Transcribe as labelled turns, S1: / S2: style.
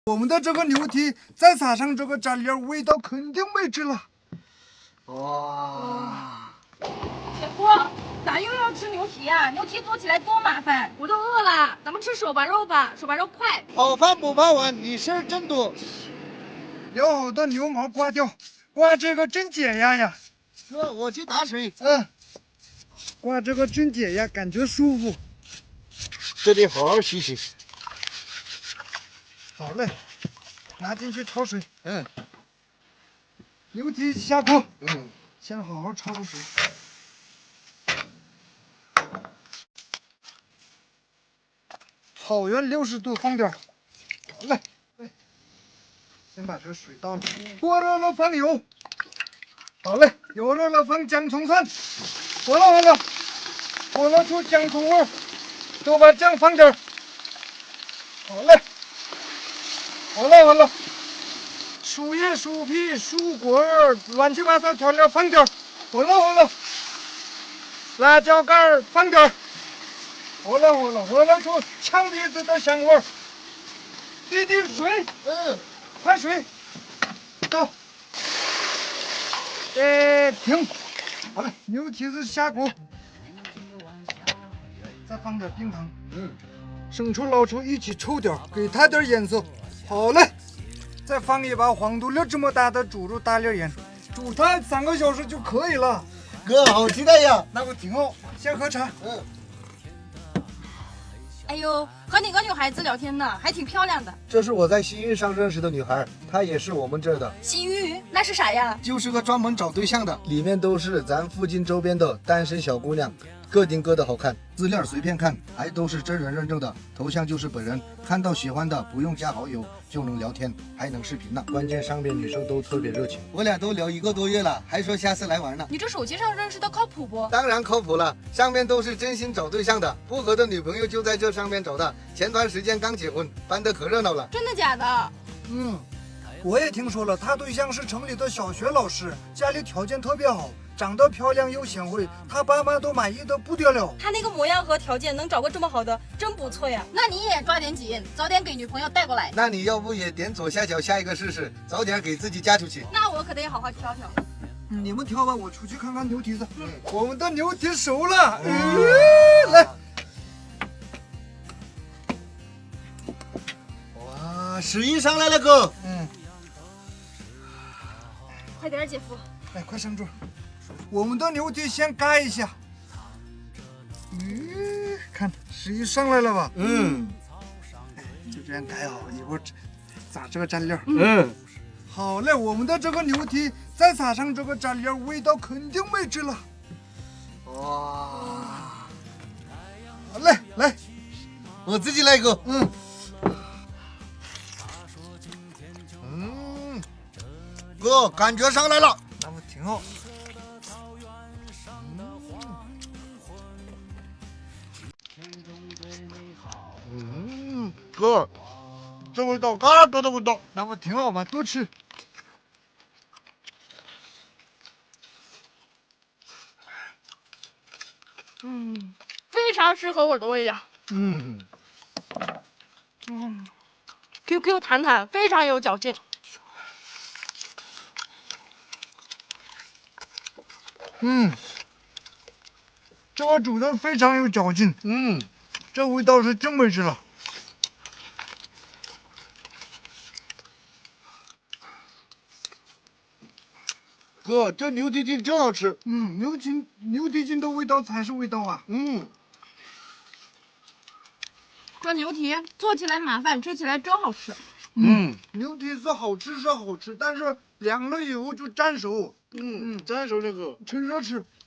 S1: 我们的这个牛蹄再撒上这个蘸料，味道肯定没治了。哇！
S2: 铁锅，咋又要吃牛蹄呀？牛蹄做起来多麻烦，我都饿了。咱们吃手把肉吧，手把肉快。
S3: 好饭不怕晚，你事儿真多。
S1: 要好的牛毛刮掉，刮这个真解压呀。
S3: 哥，我去打水。
S1: 刮这个真解压，感觉舒服。
S3: 这得好好洗洗。
S1: 好嘞，拿进去焯水。牛蹄下锅。先好好焯水。草原60度放点。好嘞。先把这水倒了，锅热了放油。好嘞，油热了放姜葱蒜。火了出姜葱味儿，都把酱放点。好嘞。好了，树叶、树皮、树果儿，乱七八糟调料放点儿。好了，辣椒干儿放点儿。好了出呛鼻子的香味儿。滴滴水，快水，倒。停。好了，牛蹄子下锅，再放点冰糖。生抽、老抽一起抽点，给它点颜色。好嘞，再放一把黄土粒这么大的猪肉大粒盐，煮它3个小时就可以了。
S3: 哥，好期待呀！
S1: 那我挺好，先喝茶。
S2: 哎呦，和哪个女孩子聊天呢？还挺漂亮的。
S3: 这是我在西域上认识的女孩，她也是我们这儿的。
S2: 西域那是啥呀？
S3: 就是个专门找对象的，里面都是咱附近周边的单身小姑娘，各顶各的好看，资料随便看，还都是真人认证的，头像就是本人，看到喜欢的不用加好友就能聊天，还能视频呢。关键上边女生都特别热情，我俩都聊1个多月了，还说下次来玩呢。
S2: 你这手机上认识的靠谱不？
S3: 当然靠谱了，上面都是真心找对象的，不合的女朋友就在这上面找的。前段时间刚结婚，办得可热闹了。
S2: 真的假的？
S1: 我也听说了，他对象是城里的小学老师，家里条件特别好，长得漂亮又贤惠，他爸妈都满意的不得了。
S2: 他那个模样和条件能找个这么好的，真不错呀。那你也抓点紧，早点给女朋友带过来。
S3: 那你要不也点左下角下一个试试，早点给自己嫁出去。
S2: 那我可得好好挑挑。
S1: 你们挑吧，我出去看看牛蹄子。我们的牛蹄熟了，来。
S3: 哇，食欲上来了，哥。
S2: 快点，姐夫。
S1: 来，快上桌。我们的牛蹄先盖一下。看食欲上来了吧？就这样盖好，一会儿撒这个蘸料。好嘞，我们的这个牛蹄再撒上这个蘸料，味道肯定没治了。哇！好嘞，来，
S3: 我自己来一个。哥，感觉上来了。
S1: 那么挺好。
S3: 哥，这味道，嘎多的味道。
S1: 那不挺好吗？多吃。
S2: 非常适合我的味道。QQ 弹弹，非常有嚼劲。
S1: 这个煮的非常有嚼劲。这味道是真没治了。
S3: 哥，这牛蹄筋真好吃。
S1: 牛蹄筋的味道才是味道啊。
S2: 这牛蹄做起来麻烦，吃起来真好吃。
S1: 牛蹄子好吃是好吃，但是凉了以后就粘手。
S3: 粘手这个。
S1: 趁热吃。